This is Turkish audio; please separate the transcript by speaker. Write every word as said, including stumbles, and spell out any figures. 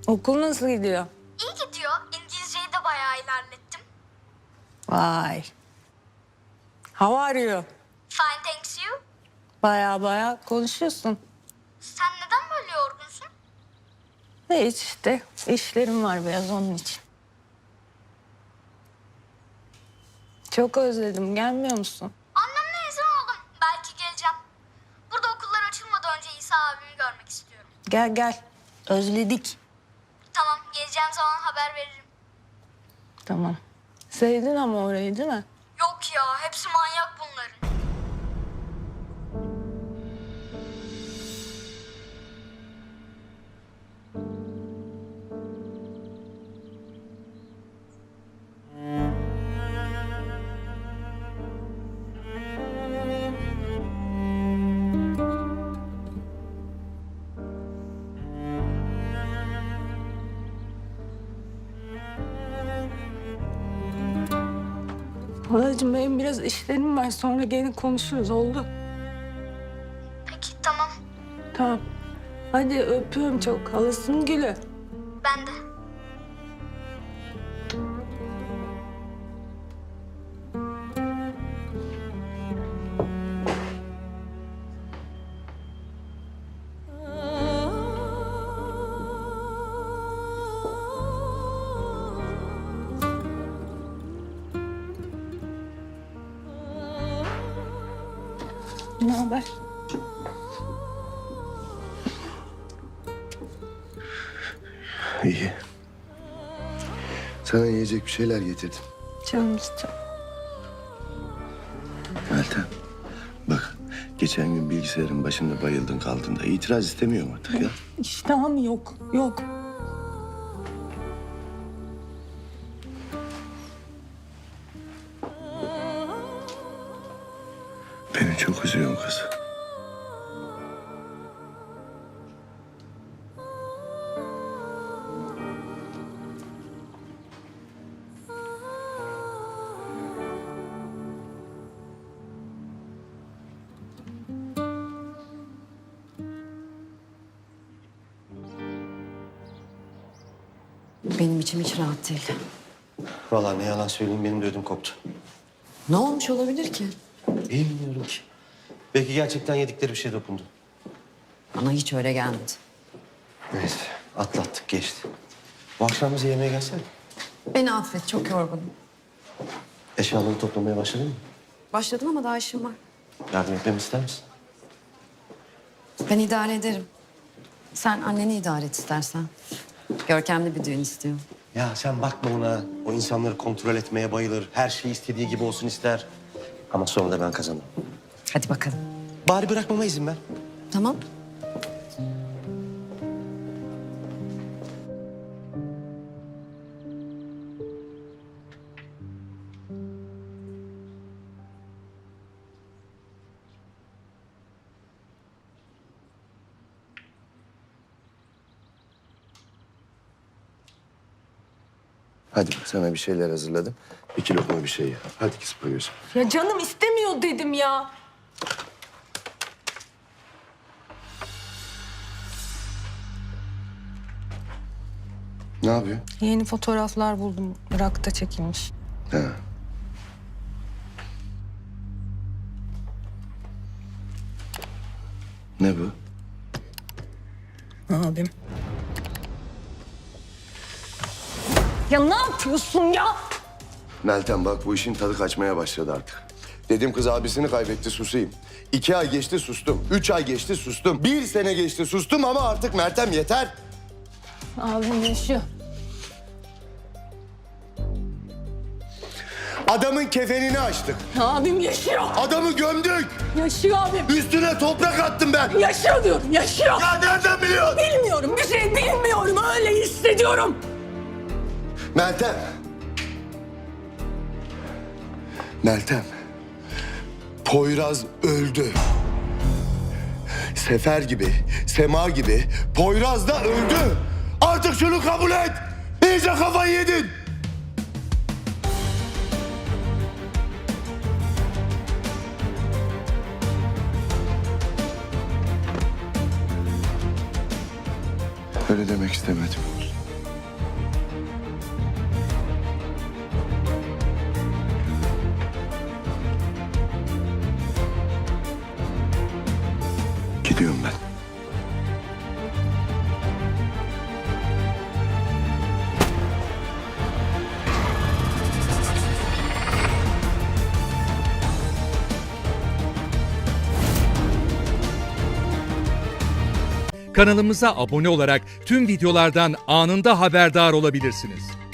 Speaker 1: Okul nasıl gidiyor?
Speaker 2: İyi gidiyor. İngilizceyi de bayağı ilerlettim.
Speaker 1: Vay. How are you?
Speaker 2: Fine, thanks you.
Speaker 1: Baya baya konuşuyorsun.
Speaker 2: Sen neden böyle yorgunsun?
Speaker 1: Hiç işte. İşlerim var biraz onun için. Çok özledim. Gelmiyor musun?
Speaker 2: Annemle izin aldım. Belki geleceğim. Burada okullar açılmadan önce İsa abimi görmek istiyorum.
Speaker 1: Gel gel. Özledik.
Speaker 2: Tamam, geleceğim zaman haber veririm.
Speaker 1: Tamam. Sevdin ama orayı değil mi?
Speaker 2: Yok ya, hepsi manyak bunların.
Speaker 1: Halacığım benim biraz işlerim var. Sonra gelin konuşuruz. Oldu.
Speaker 2: Peki, tamam.
Speaker 1: Tamam. Hadi öpüyorum çok. Halasının gülü.
Speaker 2: Ben de.
Speaker 1: Ne haber?
Speaker 3: İyi. Sana yiyecek bir şeyler getirdim.
Speaker 1: Canım istiyor.
Speaker 3: Meltem, bak geçen gün bilgisayarın başında bayıldın kaldın da itiraz istemiyorum artık ya.
Speaker 1: İştahım yok. Yok.
Speaker 3: Beni çok üzüyorsun kız.
Speaker 4: Benim içim hiç rahat değil.
Speaker 5: Vallahi ne yalan söyleyeyim benim de ödüm koptu.
Speaker 4: Ne olmuş olabilir ki?
Speaker 5: Bilmiyorum ki. Belki gerçekten yedikleri bir şey dokundu.
Speaker 4: Bana hiç öyle gelmedi.
Speaker 5: Neyse atlattık geçti. Bu akşam bize yemeğe gelsene.
Speaker 4: Beni affet, çok yorgunum.
Speaker 5: Eşyaları toplamaya başladın mı?
Speaker 4: Başladım ama daha işim var.
Speaker 5: Yardım etmemi ister misin?
Speaker 4: Ben idare ederim. Sen anneni idare et istersen. Görkemli bir düğün istiyor.
Speaker 5: Ya sen bakma ona. O insanları kontrol etmeye bayılır. Her şey istediği gibi olsun ister. Ama sonra da ben kazanırım.
Speaker 4: Hadi bakalım.
Speaker 5: Bari bırakmama izin ver.
Speaker 4: Tamam.
Speaker 3: Hadi bak sana bir şeyler hazırladım. İki lokma bir şey ye. Hadi kız koyuyorsun.
Speaker 1: Ya canım istemiyor dedim ya.
Speaker 3: Ne yapıyor?
Speaker 1: Yeni fotoğraflar buldum. Irak'ta çekilmiş.
Speaker 3: Ha. Ne bu?
Speaker 1: Abim. Ya ne yapıyorsun ya?
Speaker 3: Meltem bak bu işin tadı kaçmaya başladı artık. Dedim kız abisini kaybetti susayım. İki ay geçti sustum. Üç ay geçti sustum. Bir sene geçti sustum ama artık Meltem yeter.
Speaker 1: Abim yaşıyor.
Speaker 3: Adamın kefenini açtık.
Speaker 1: Abim yaşıyor.
Speaker 3: Adamı gömdük.
Speaker 1: Yaşıyor abim.
Speaker 3: Üstüne toprak attım ben.
Speaker 1: Yaşıyor diyorum, yaşıyor.
Speaker 3: Ya nereden biliyorsun?
Speaker 1: Bilmiyorum, bir şey bilmiyorum. Öyle hissediyorum.
Speaker 3: Meltem. Meltem. Poyraz öldü. Sefer gibi, Sema gibi Poyraz da öldü. Artık şunu kabul et. İyice kafayı yedin. Öyle demek istemedim. Gidiyorum ben.
Speaker 6: Kanalımıza abone olarak tüm videolardan anında haberdar olabilirsiniz.